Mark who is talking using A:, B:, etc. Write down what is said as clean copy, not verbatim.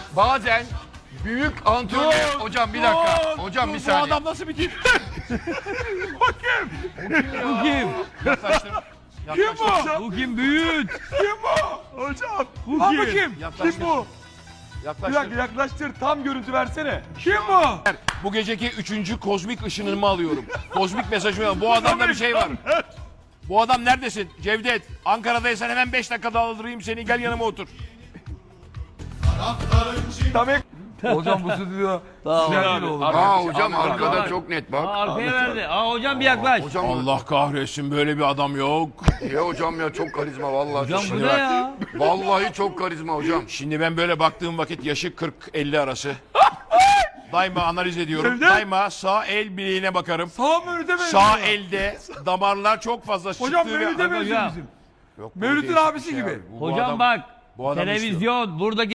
A: bazen büyük antrenör... Hocam bir dakika. Hocam bir saniye.
B: Bu adam nasıl bir tip?
C: Bu kim?
A: Yaklaştım.
B: Kim bu?
C: Bu kim? Büyüt.
B: Kim bu? Hocam.
C: Bu
B: Lan
C: kim?
B: bu kim?
A: Yaklaştır.
B: Kim bu? Bir
A: Yaklaştım.
B: dakika yaklaştır. Tam görüntü versene. Kim bu?
A: Bu geceki 3. kozmik ışınımı alıyorum. Kozmik mesajımı alıyorum. Bu adamda bir şey var. Bu adam neredesin? Cevdet. Ankara'daysan hemen 5 dakikada aldırayım seni. Gel yanıma otur.
B: Tabii. Hocam bu stüdyo. Güzel olur.
A: Aa hocam arkada çok net bak.
C: Arkaya verdi. Aa hocam bir yaklaş.
A: Hocam Allah kahretsin böyle bir adam yok. Ya hocam ya çok karizma vallahi.
C: Hocam bu
A: Şimdi
C: ne
A: bak,
C: ya?
A: vallahi çok karizma hocam. Şimdi ben böyle baktığım vakit yaşı 40-50 arası. Daima analiz ediyorum.
B: Cevdet.
A: Daima sağ el bileğine bakarım.
B: Sağ Mevlüt'e benziyor.
A: Sağ elde damarlar çok fazla çıktığı
B: Hocam
A: ve...
B: Mevlüt'e benziyor
C: Hocam.
B: bizim.
A: Yok, bu
B: Mevlüt'ün
A: değişik bir
B: abisi
A: şey
B: gibi.
A: abi. Bu
C: Hocam
A: adam-
C: bak.
A: bu adam
C: Televizyon. Buradaki